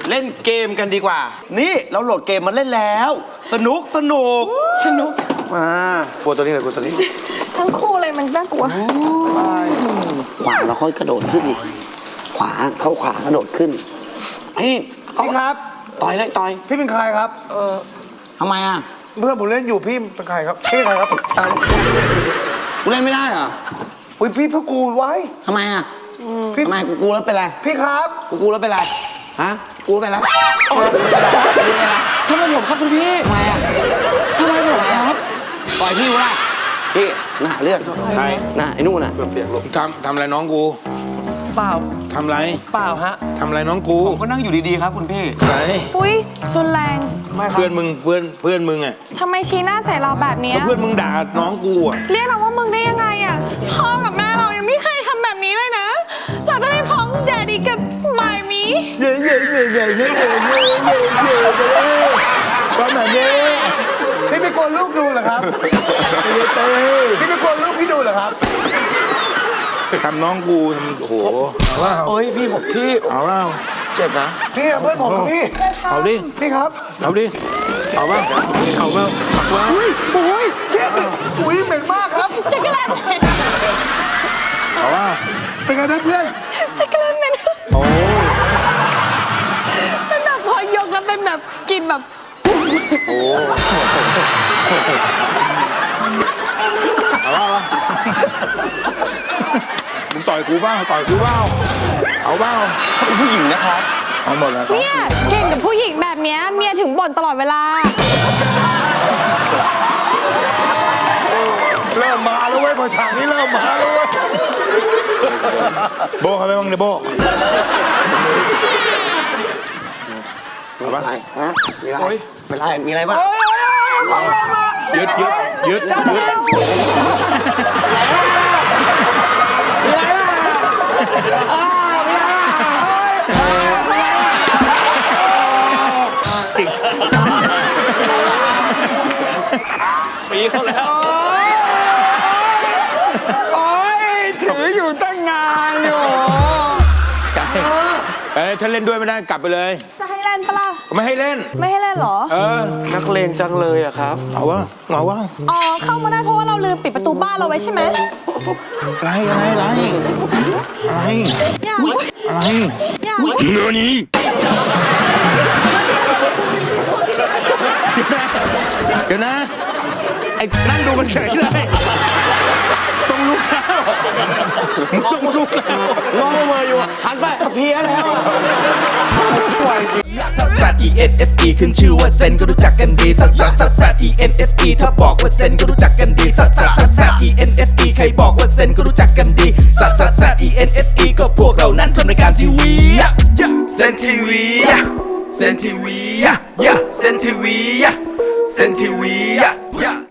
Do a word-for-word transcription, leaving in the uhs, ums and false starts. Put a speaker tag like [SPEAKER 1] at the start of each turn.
[SPEAKER 1] เล่นเกมกันดีกว่านี่เราโหลดเกมมาเล่นแล้วสนุกสนุก
[SPEAKER 2] สนุก
[SPEAKER 1] มากลัวตัวนี้เลยกลัวตัวนี้
[SPEAKER 2] ทั้งคู่เลยมันน่ากลัว
[SPEAKER 3] ขวาเราค่อยกระโดดขึ้นอีกขวาเข้าขวากระโดดขึ้นนี่
[SPEAKER 1] พี่ครับ
[SPEAKER 3] ต่อยเลยต่อย
[SPEAKER 1] พี่เป็นใครครับเออ
[SPEAKER 3] ทำไมอ่ะ
[SPEAKER 1] เพื่อนผมเล่นอยู่พี่เป็นใครครับพี่เป็นใครครับ
[SPEAKER 3] กูเล่นไม่ได้เหรอ
[SPEAKER 1] อุ้ยพี่เพิ่งกูไว้
[SPEAKER 3] ทำไมอ่ะทำไมกูกูแล้วเป็นไร
[SPEAKER 1] พี่ครับ
[SPEAKER 3] กูกูแล้วเป็นไรฮะกูเป็นไร
[SPEAKER 1] ทำไมผมครับคุณพี่
[SPEAKER 3] ทำไมอ่ะทำไมผมครับปล่อยพี่กูละพี่น่าเลือด
[SPEAKER 1] ใคร
[SPEAKER 3] น่าไอ้นู่นน่ะ
[SPEAKER 4] ทำทำอะไรน้องกู
[SPEAKER 1] เปล่า
[SPEAKER 4] ทำไร
[SPEAKER 1] เปล่าฮะ
[SPEAKER 4] ทำอะไรน้องกู
[SPEAKER 1] ผมก็นั่งอยู่ดีๆครับคุณพี่
[SPEAKER 4] ไหน
[SPEAKER 2] ปุ้ยรุนแรง
[SPEAKER 4] เพื่อนมึงเพื่อนเพื่อนมึงอ่ะ
[SPEAKER 2] ทำไมชี้หน้าใส่เราแบบนี้
[SPEAKER 4] เพื่อนมึงด่าน้องกูอ่ะ
[SPEAKER 2] เรียกเราว่ามึงได้ยังไงอ่ะพ่อกับแม่เรายังไม่เคยทำแบบนี้เลยนะเราจะไม่พ้องแดดดี้กับมายมี
[SPEAKER 1] เย่เย่เย่เย่เย่เย่เย่เย่เย่ประมาณนี้พี่ไม่กลัวลูกดูเหรอครับพี่ไม่กลัวลูกพี่ดูเหรอครับ
[SPEAKER 4] ทำน้องกูโอ้โหว้าว
[SPEAKER 1] โอ้ยพี่ผมพี่
[SPEAKER 4] เอาว้าว
[SPEAKER 1] เจ็บนะพี่เพื่อนผมพี่
[SPEAKER 4] เอาดิ
[SPEAKER 1] พี่ครับ
[SPEAKER 4] เอาดิเอาว้าวเอาว้าวว้าว
[SPEAKER 1] อุ้ยโอ้ยพี่อุ้ยเหม็นมากครับ
[SPEAKER 2] จะกระเลน
[SPEAKER 4] เอาว้าว
[SPEAKER 1] เป็นไงนะเพื่อน
[SPEAKER 2] จะกระเลนเหม็น
[SPEAKER 4] โอ้
[SPEAKER 2] เป็นแบบพอยกแล้วเป็นแบบกินแบบ
[SPEAKER 4] โอ้เอาว้าวมึงต่อยกูบ้างต่อยกูบ้างเอาบ้าง
[SPEAKER 1] เขาเป็นผู้หญิงนะครับ
[SPEAKER 4] เอาหมดแล้ว
[SPEAKER 2] เนี่ยเก่งกับผู้หญิงแบบนี้เมียถึงบ่นตลอดเวลา
[SPEAKER 1] เริ่มมาแล้วเว้ยพอฉากนี้เริ่มมาแล้วเว้ย
[SPEAKER 4] โบเขาไปบ้างเนี่ยโบเอาบ้าง
[SPEAKER 3] ฮะมีอะไรมีอะไรมีอะไรบ้าง
[SPEAKER 4] ยึดยึดยึดยึด
[SPEAKER 1] ปีเขาแล้วโอ้ยถืออยู่ตั้งงานอยู่
[SPEAKER 4] เอ้ยถ้าเล่นด้วยไม่ได้กลับไปเลย
[SPEAKER 2] จะให้เล่นปะล่ะ
[SPEAKER 4] ไม่ให้เล่น
[SPEAKER 2] ไม่ให้เล่นหรอ
[SPEAKER 4] เออ
[SPEAKER 1] นักเลงจังเลยอะครับ
[SPEAKER 4] เอาวะเอาวะ
[SPEAKER 2] อ๋อเข้ามาได้เพราะว่าเราลืมปิดประตูบ้านเราไว้ใช่ไหม
[SPEAKER 4] อะไรอะไรอะไรอะไรอะไรเนื้อนี้เดี๋ยวนะไอ้นั่งดูมันเฉยเลยต้องลุกแล้วต้องลุกแล้ว
[SPEAKER 3] มองมาอยู่หันไปเพี้ยแล้ว
[SPEAKER 5] ซัสซัส E N S E ขึ้นชื่อว่าเซนก็รู้จักกันดีซัสซัสซัสซัส E N S E ถ้าบอกว่าเซนก็รู้จักกันดีซัสซัสซัสซัส E N S E ใครบอกว่าเซนก็รู้จักกันดีซัสซัสซัส E N S E ก็พวกเรานั้นทำรายการทีวีเซนทีวีเซนทีวีเซนทีวีเซนทีวี